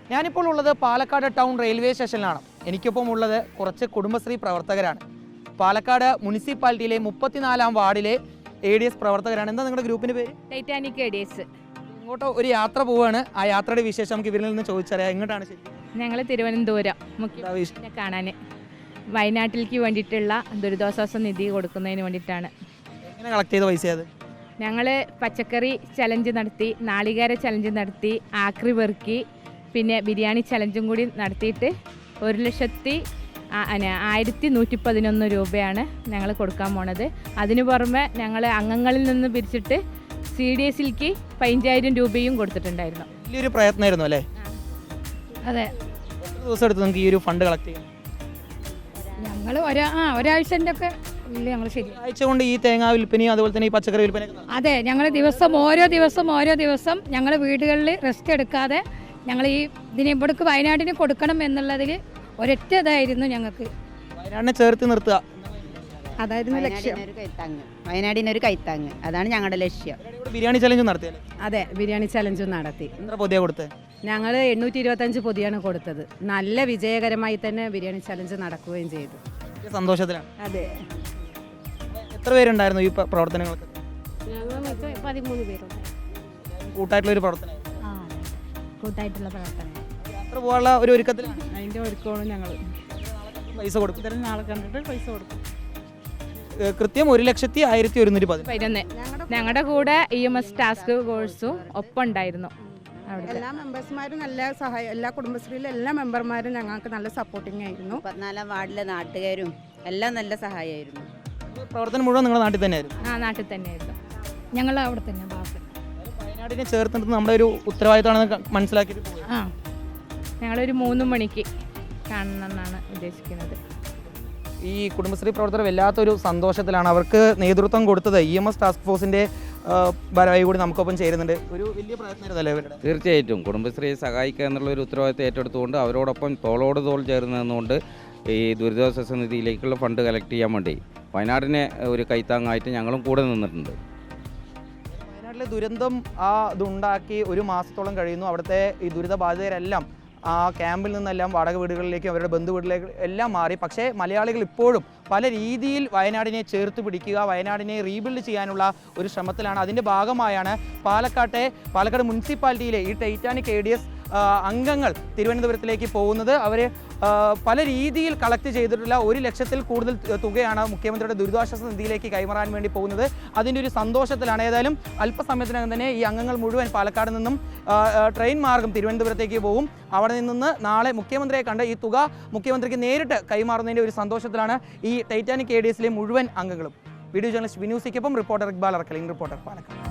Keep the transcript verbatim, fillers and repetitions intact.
ഞാനിപ്പോൾ ഉള്ളത് Palakkad town railway സ്റ്റേഷനിലാണ്. എനിക്കൊപ്പം ഉള്ളത് കുറച്ച് കുടുംബശ്രീ പ്രവർത്തകരാണ്. പാലക്കാട് മുനിസിപ്പാലിറ്റിയിലെ മുപ്പത്തിനാലാം വാർഡിലെ എ ഡി എസ് പ്രവർത്തകരാണ്. എന്താ നിങ്ങളുടെ ഗ്രൂപ്പിന്റെ പേര്? Titanic A D S. ഇങ്ങോട്ട് ഒരു യാത്ര പോവാണ്. ആ യാത്രയുടെ വിശേഷം നമുക്ക് ഇവരിൽ നിന്ന് ചോദിച്ചറിയാം. എങ്ങോട്ടാണ് ശരി? ഞങ്ങൾ തിരുവനന്തപുരം മുഖ്യമന്ത്രിയെ കാണാൻ വയനാട്ടിലേക്ക് വേണ്ടിയിട്ടുള്ള ദുരിതാശ്വാസ നിധി കൊടുക്കുന്നതിന് വേണ്ടിയിട്ടാണ്. എങ്ങനെ കളക്ട് ചെയ്ത പൈസ അത്? ഞങ്ങൾ പച്ചക്കറി ചലഞ്ച് നടത്തി, നാളികേര ചലഞ്ച് നടത്തി, ആക്രി പെറുക്കി, പിന്നെ ബിരിയാണി ചലഞ്ചും കൂടി നടത്തിയിട്ട് ഒരു ലക്ഷത്തി ആയിരത്തി നൂറ്റി പതിനൊന്ന് രൂപയാണ് ഞങ്ങൾ കൊടുക്കാൻ പോണത്. അതിനു പുറമെ ഞങ്ങൾ അംഗങ്ങളിൽ നിന്ന് പിരിച്ചിട്ട് സി ഡി എസിലേക്ക് പതിനഞ്ചായിരം രൂപയും കൊടുത്തിട്ടുണ്ടായിരുന്നു. വലിയൊരു പ്രയത്നമായിരുന്നു അല്ലേ? അതെ. എത്ര ദിവസം എടുത്ത് നിങ്ങൾക്ക് ഈ ഒരു ഫണ്ട് കളക്ട് ചെയ്യാൻ? ഞങ്ങൾ ഒരാ ആ ഒരാഴ്ചൻ്റെ ഒക്കെ ഇല്ല ഞങ്ങൾ ശരി ആഴ്ച കൊണ്ട് ഈ തേങ്ങ വിൽപ്പനയും അതുപോലെ തന്നെ ഈ പച്ചക്കറി വിൽപ്പനയൊക്കെ? അതെ, ഞങ്ങൾ ദിവസം ഓരോ ദിവസം ഓരോ ദിവസം ഞങ്ങൾ വീടുകളിൽ റെസ്റ്റ് എടുക്കാതെ ഞങ്ങൾ ഈ ഇതിനെ ഇവിടേക്ക് വയനാടിന് കൊടുക്കണം എന്നുള്ളതിൽ ഒരൊറ്റ ഇതായിരുന്നു ഞങ്ങൾക്ക്. വയനാടിനെ ചേർത്ത് നിർത്തുക അതായിരുന്നു ലക്ഷ്യം. വയനാടിനൊരു കൈത്താങ്ങ്, അതാണ് ഞങ്ങളുടെ ലക്ഷ്യം. ബിരിയാണി ചലഞ്ച് നടത്തിയല്ലേ? അതെ, ബിരിയാണി ചലഞ്ചും നടത്തി. എത്ര പൊതിയാ കൊടുത്തത്? ഞങ്ങൾ എണ്ണൂറ്റി ഇരുപത്തഞ്ച് പൊതിയാണ് കൊടുത്തത്. നല്ല വിജയകരമായി തന്നെ ബിരിയാണി ചലഞ്ച് നടക്കുകയും ചെയ്തു. സന്തോഷത്തിലാണ്. അതെ. എത്ര പേരുണ്ടായിരുന്നു ഈ പ്രവർത്തനങ്ങൾക്ക്? പതിമൂന്ന് പേരുണ്ട്. കൂട്ടായിട്ടുള്ള ഒരു പ്രവർത്തനം, കൂട്ടായിട്ടുള്ള പ്രവർത്തനം. യാത്ര പോകാനുള്ള ഒരു ഒരുക്കത്തിലാണ്. അതിൻ്റെ ഒരുക്കമാണ് ഞങ്ങൾ. പൈസ കൊടുക്കും. ഇത്തരം നാളെ കണ്ടിട്ട് പൈസ കൊടുക്കും. കൃത്യം ഒരു ലക്ഷത്തി ആയിരത്തി ഒരുന്നൂറ്റി പതിനൊന്ന്. ഞങ്ങളുടെ കൂടെ ഇ എം എസ് ടാസ്ക് ഫോഴ്സും ഒപ്പം ഉണ്ടായിരുന്നു. എല്ലാ മെമ്പേഴ്സ്മാരും നല്ല സഹായം, എല്ലാ കുടുംബശ്രീയിലെ എല്ലാ മെമ്പർമാരും ഞങ്ങൾക്ക് നല്ല സപ്പോർട്ടിങ് ആയിരുന്നു. പതിനാലാം വാർഡിലെ നാട്ടുകാരും എല്ലാം നല്ല സഹായമായിരുന്നു. പ്രവർത്തനം മുഴുവൻ നിങ്ങളുടെ നാട്ടിൽ തന്നെയായിരുന്നു? ആ, നാട്ടിൽ തന്നെയായിരുന്നു. ഞങ്ങൾ അവിടെ തന്നെ ഭാഗത്ത് വയനാടിനെ ചേർത്ത് നിർത്തുന്നത് നമ്മുടെ ഒരു ഉത്തരവാദിത്തമാണെന്ന് മനസ്സിലാക്കിയിട്ട് പോയി. ആ, ഞങ്ങളൊരു മൂന്ന് മണിക്ക് കാണണമെന്നാണ് ഉദ്ദേശിക്കുന്നത്. ഈ കുടുംബശ്രീ പ്രവർത്തകർ വല്ലാത്തൊരു സന്തോഷത്തിലാണ്. അവർക്ക് നേതൃത്വം കൊടുത്തത് ഇ എം എസ് ടാസ്ക് ഫോഴ്സിൻ്റെ ഭാരവാഹി കൂടി നമുക്കൊപ്പം ചേരുന്നുണ്ട്. ഒരു വലിയ പ്രയത്നമായിരുന്നല്ലേ ഇവരുടെ? തീർച്ചയായിട്ടും കുടുംബശ്രീയെ സഹായിക്കുക എന്നുള്ള ഒരു ഉത്തരവാദിത്തം ഏറ്റെടുത്തുകൊണ്ട് അവരോടൊപ്പം തോളോട് തോൾ ചേർന്ന് നിന്നുകൊണ്ട് ഈ ദുരിതാശ്വാസ നിധിയിലേക്കുള്ള ഫണ്ട് കളക്ട് ചെയ്യാൻ വേണ്ടി വയനാടിനെ ഒരു കൈത്താങ്ങായിട്ട് ഞങ്ങളും കൂടെ നിന്നിട്ടുണ്ട്. വയനാട്ടിലെ ദുരന്തം ആ ഇതുണ്ടാക്കി ഒരു മാസത്തോളം കഴിയുന്നു. അവിടുത്തെ ഈ ദുരിതബാധിതരെല്ലാം ആ ക്യാമ്പിൽ നിന്നെല്ലാം വാടക വീടുകളിലേക്കും അവരുടെ ബന്ധു വീട്ടിലേക്ക് എല്ലാം മാറി. പക്ഷേ മലയാളികൾ ഇപ്പോഴും പല രീതിയിൽ വയനാടിനെ ചേർത്ത് പിടിക്കുക, വയനാടിനെ റീബിൽഡ് ചെയ്യാനുള്ള ഒരു ശ്രമത്തിലാണ്. അതിൻ്റെ ഭാഗമായാണ് പാലക്കാട്ടെ പാലക്കാട് മുനിസിപ്പാലിറ്റിയിലെ ഈ ടൈറ്റാനിക് എ ഡി എസ് അംഗങ്ങൾ തിരുവനന്തപുരത്തിലേക്ക് പോകുന്നത്. അവർ പല രീതിയിൽ കളക്ട് ചെയ്തിട്ടുള്ള ഒരു ലക്ഷത്തിൽ കൂടുതൽ തുകയാണ് മുഖ്യമന്ത്രിയുടെ ദുരിതാശ്വാസ നിധിയിലേക്ക് കൈമാറാൻ വേണ്ടി പോകുന്നത്. അതിൻ്റെ ഒരു സന്തോഷത്തിലാണ്. ഏതായാലും അല്പസമയത്തിനകം തന്നെ ഈ അംഗങ്ങൾ മുഴുവൻ പാലക്കാട് നിന്നും ട്രെയിൻ മാർഗം തിരുവനന്തപുരത്തേക്ക് പോകും. അവിടെ നിന്ന് നാളെ മുഖ്യമന്ത്രിയെ കണ്ട് ഈ തുക മുഖ്യമന്ത്രിക്ക് നേരിട്ട് കൈമാറുന്നതിൻ്റെ ഒരു സന്തോഷത്തിലാണ് ഈ ടൈറ്റാനിക് എ ഡി എസിലെ മുഴുവൻ അംഗങ്ങളും. വീഡിയോ ജേർണലിസ്റ്റ് വിനൂസിക്കൊപ്പം റിപ്പോർട്ടർ ഇക്ബാൽ അറക്കലിംഗ്, റിപ്പോർട്ടർ പാലക്കാട്.